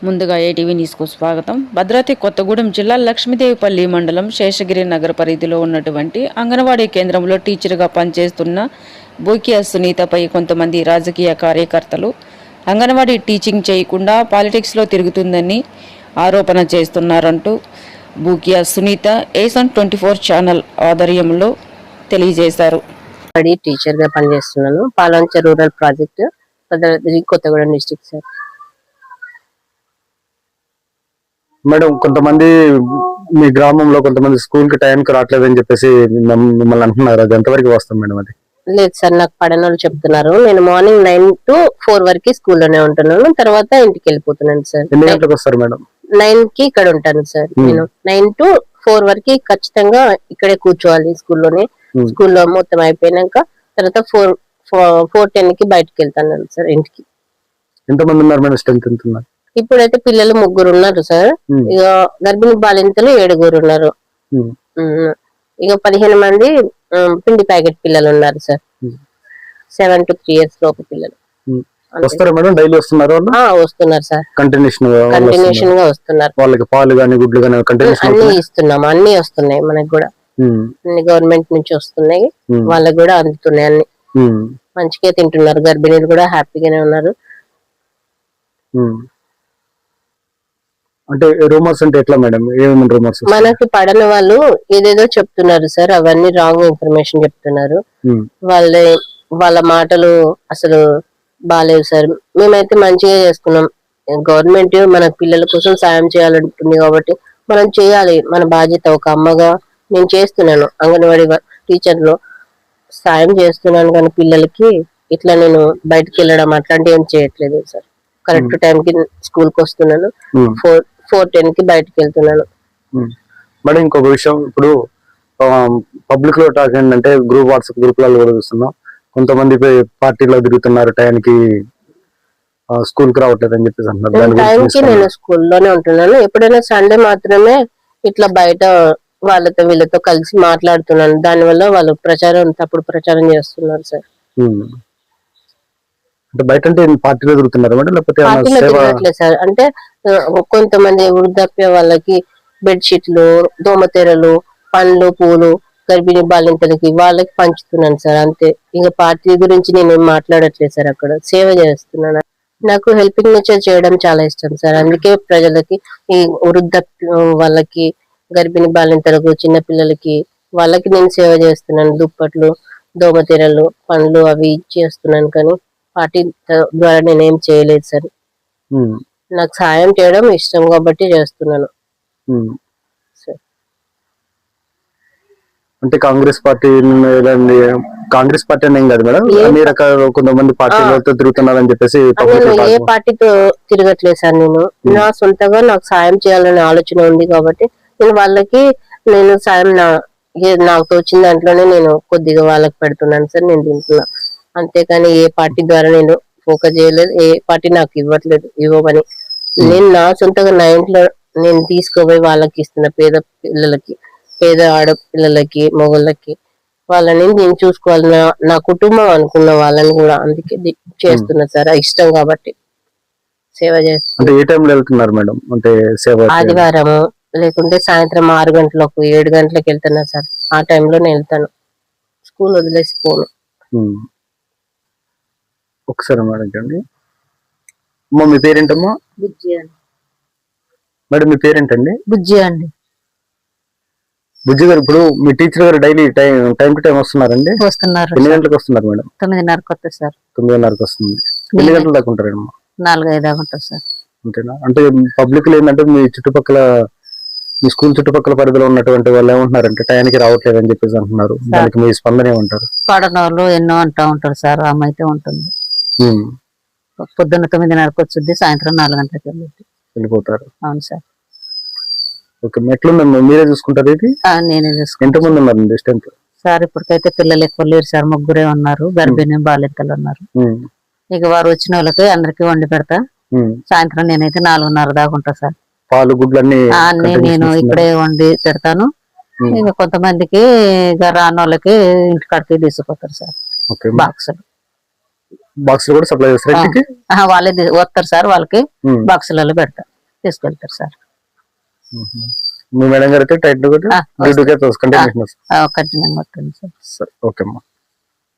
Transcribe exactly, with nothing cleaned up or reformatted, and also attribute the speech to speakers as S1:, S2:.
S1: ముందుగా ఏటీవీ న్యూస్కు స్వాగతం. భద్రాద్రి కొత్తగూడెం జిల్లా లక్ష్మీదేవిపల్లి మండలం శేషగిరి నగర పరిధిలో ఉన్నటువంటి అంగన్వాడీ కేంద్రంలో టీచర్గా పనిచేస్తున్న బూకియా సునీతపై కొంతమంది రాజకీయ కార్యకర్తలు అంగన్వాడీ టీచింగ్ చేయకుండా పాలిటిక్స్లో తిరుగుతుందని ఆరోపణ చేస్తున్నారంటూ బూకియా సునీత ఏసన్ ట్వంటీ ఫోర్ ఛానల్ ఆధ్వర్యంలో తెలియజేశారు.
S2: టీచర్గా పనిచేస్తున్నాను. Palancha rural project Bhadradri Kothagudem district sir.
S3: Madam, కొంతమంది మీ గ్రామంలో కొంతమంది స్కూల్ కి టైంకి రావట్లేదని చెప్పేసి మిమ్మల్ని అంటున్నారు, అది ఎంతవరకు వస్తాం మేడం? అది
S2: లేదు సార్, నాకు పడని వాళ్ళు చెప్తున్నారు. నేను మార్నింగ్ నైన్ టు ఫోర్ వరకు స్కూల్లోనే ఉంటున్నాను, తర్వాత ఇంటికి వెళ్ళిపోతున్నాను సార్.
S3: ఎన్ని గంటలకు వస్తారు మేడం? నైన్
S2: కి ఇక్కడ ఉంటాను సార్. నేను నైన్ టు ఫోర్ వరకు ఖచ్చితంగా ఇక్కడే కూర్చోవాలి స్కూల్లోనే. స్కూల్లో మొత్తం అయిపోయినాక తర్వాత ఫోర్ ఫోర్ టెన్ కి బయటకు వెళ్తాను సార్ ఇంటికి.
S3: ఎంతమంది ఉన్నారు మేడం? స్ట్రెంత్ ఎంత ఉన్నారు?
S2: ఇప్పుడైతే పిల్లలు ముగ్గురు ఉన్నారు సార్. ఇక గర్భిణీ బాలింతలు ఏడుగురు ఉన్నారు. ఇక పదిహేను మంది పిండి ప్యాకెట్ పిల్లలు ఉన్నారు sir. Seven to three years లోపు పిల్లలు
S3: వస్తారు మేడం. డైలీ వస్తున్నారు?
S2: వస్తున్నారు సార్,
S3: కంటిన్యూషన్
S2: కంటిన్యూషన్ గా వస్తున్నారు.
S3: వాళ్ళకి పాలు గానీ గుడ్లు గానీ
S2: అన్ని ఇస్తున్నాము, అన్ని వస్తున్నాయి మనకి కూడా. అన్ని గవర్నమెంట్ నుంచి వస్తున్నాయి, వాళ్ళకి కూడా అందుతున్నాయి. అన్ని మంచిగా తింటున్నారు. గర్భిణీలు కూడా హ్యాపీగానే ఉన్నారు.
S3: అంటే రూమర్స్ అంటే ఎట్లా మేడం? ఏమేమి రూమర్స్?
S2: మనకి పడని వాళ్ళు ఏదేదో చెప్తున్నారు సార్, అవన్నీ రాంగ్ ఇన్ఫర్మేషన్ చెప్తున్నారు. వాళ్ళ వాళ్ళ మాటలు అసలు బాగాలేవు సార్. మేమైతే మంచిగా చేసుకున్నాం. గవర్నమెంట్ మన పిల్లల కోసం సాయం చేయాలంటుంది కాబట్టి మనం చేయాలి, మన బాధ్యత. ఒక అమ్మగా నేను చేస్తున్నాను, అంగన్వాడీ టీచర్ లో సాయం చేస్తున్నాను, కానీ పిల్లలకి ఇట్లా నేను బయటకు వెళ్ళడం అట్లాంటివి ఏం చేయట్లేదు సార్. కరెక్ట్ టైం కి స్కూల్ కి వస్తున్నాను, ఫోర్ ఫోర్ టెన్ కి బయటకు వెళ్తున్నాను.
S3: మేడం, ఇంకొక విషయం, ఇప్పుడు పబ్లిక్ లో టాక్ ఏంటంటే గ్రూప్ వాట్సాప్ గ్రూప్లలో కూడా చూస్తున్నాం, కొంతమంది పార్టీలో తిరుగుతున్నారు, టైంకి స్కూల్ కి రావట్లేదు అని చెప్పేసి అంటున్నారు.
S2: టైంకి నేను స్కూల్లోనే ఉంటున్నాను. ఎప్పుడైనా సండే మాత్రమే ఇట్లా బయట వాళ్ళతో వీళ్ళతో కలిసి మాట్లాడుతున్నాను. దానివల్ల వాళ్ళు ప్రచారం తప్పుడు ప్రచారం చేస్తున్నారు సార్.
S3: అంటే బయట అంటే పార్టీలో తిరుగుతున్నారు మేడం, లేకపోతే
S2: పార్టీలో తిరగట్లేదు సార్. అంటే కొంతమంది వృద్ధాప్య వాళ్ళకి బెడ్షీట్లు, దోమతెరలు, పండ్లు, పూలు గర్భిణీ బాలింతలకి వాళ్ళకి పంచుతున్నాను సార్, అంతే. ఇంకా పార్టీ గురించి నేను మాట్లాడట్లేదు సార్. అక్కడ సేవ చేస్తున్నాను. నాకు హెల్పింగ్ నేచర్ చేయడం చాలా ఇష్టం సార్. అందుకే ప్రజలకి, ఈ వృద్ధాప్య వాళ్ళకి, గర్భిణీ బాలింతలకు, చిన్న పిల్లలకి వాళ్ళకి నేను సేవ చేస్తున్నాను. దుప్పట్లు, దోమతెరలు, పండ్లు అవి చేస్తున్నాను, కానీ పార్టీ ద్వారా నేనేం చేయలేదు సార్. నాకు సాయం చేయడం ఇష్టం కాబట్టి చేస్తున్నాను.
S3: అంటే కాంగ్రెస్ పార్టీ కాంగ్రెస్ పార్టీ అని ఏం కాదు మేడం, అన్ని రకాల కొంతమంది పార్టీలతో తిరుగుతున్నారని చెప్పేసి.
S2: ఏ పార్టీతో తిరగట్లేదు సార్. నేను నా సొంతంగా నాకు సాయం చేయాలనే ఆలోచన ఉంది కాబట్టి నేను వాళ్ళకి నేను సాయం నా నాకు తోచిన దాంట్లోనే నేను కొద్దిగా వాళ్ళకి పెడుతున్నాను సార్. నేను తింటున్నా, అంతేకాని ఏ పార్టీ ద్వారా నేను ఫోకస్ చేయలేదు. ఏ పార్టీ నాకు ఇవ్వట్లేదు, ఇవ్వమని. నేను నా సొంతంగా నా ఇంట్లో నేను తీసుకోపోయి వాళ్ళకి ఇస్తున్నా. పేద పిల్లలకి, పేద ఆడపిల్లలకి, మొగళ్ళకి, వాళ్ళని నేను చూసుకోవాలి. నా నా కుటుంబం అనుకున్న వాళ్ళని కూడా అందుకే చేస్తున్నా సార్, ఇష్టం కాబట్టి సేవ చేస్తున్నా.
S3: ఏ టైంలో వెళ్తున్నారు మేడం? అంటే సేవ
S2: ఆదివారము లేకుంటే సాయంత్రం ఆరు గంటలకు ఏడు గంటలకు వెళ్తున్నా సార్. ఆ టైంలో నేను వెళ్తాను, స్కూల్ వదిలేసి పోను.
S3: ఒకసారి మేడం చూడండి. అమ్మా, మీ పేరేంటమ్మా?
S2: బుజ్జి అండి.
S3: మేడం, మీ పేరేంటండి?
S2: బుజ్జి అండి.
S3: బుజ్జి గారు, ఇప్పుడు మీ టీచర్ గారు daily time time to time వస్తున్నారండి?
S2: వస్తున్నారు.
S3: ఎన్ని గంటలకు వస్తున్నారు మేడం?
S2: తొమ్మిదిన్నరకు వస్తుంది సార్.
S3: తొమ్మిదిన్నరకు వస్తుంది. ఎన్ని గంటల దాకా ఉంటారమ్మా?
S2: నాలుగు ఐదు దాకా ఉంటుంది సార్.
S3: అంతేనా? అంటే పబ్లిక్ లో ఏంటంటే మీ చుట్టుపక్కల, మీ స్కూల్ చుట్టుపక్కల పరిధిలో ఉన్నటువంటి వాళ్ళు ఏమంటున్నారంటే టైంకి రావట్లేదు అని చెప్పేసి అంటున్నారు. దానికి మీ స్పందన ఏమంటారు?
S2: పడన వాళ్ళు ఎన్నో అంటూ ఉంటారు సార్. ఆమె అయితే ఉంటుంది, పొద్దున్న తొమ్మిదిన్నరకు వచ్చింది, సాయంత్రం నాలుగు గంటలకు వెళ్ళి
S3: వెళ్ళిపోతారు.
S2: అవును సార్.
S3: ఓకే, ఎట్లుందమ్మా? మీరే చూసుకుంటారు ఇది?
S2: నేనే చూసుకుంటాను.
S3: ఎంతమంది ఉన్నారు స్ట్రెంత్
S2: సార్? ఇప్పటికైతే పిల్లలు ఎక్కువ లేరు సార్, ముగ్గురే ఉన్నారు. గర్భిణీ బాలింతలు ఉన్నారు. ఇక వారు వచ్చిన వాళ్ళకి అందరికి వండి పెడతా. సాయంత్రం నేనైతే నాలుగున్నర దాకా ఉంటా సార్.
S3: పాలు గుడ్లు అన్ని
S2: నేను ఇక్కడే వండి పెడతాను. ఇంకా కొంతమందికి రాని వాళ్ళకి ఇంటి కాడికి తీసుకుపోతారు సార్. బాక్సులు
S3: బాక్స్ కూడా సప్లై చేస్తారు.
S2: వాళ్ళే వస్తారు సార్, వాళ్ళకి బాక్సులలో పెడతారు. తీసుకెళ్తారు సార్.
S3: మీ మేడం గారు అయితే టైట్
S2: ఆ,
S3: డ్యూటీకి అయితే కంటిన్యూషన్
S2: కఠినంగా వస్తుంది సార్.
S3: ఓకే అమ్మా.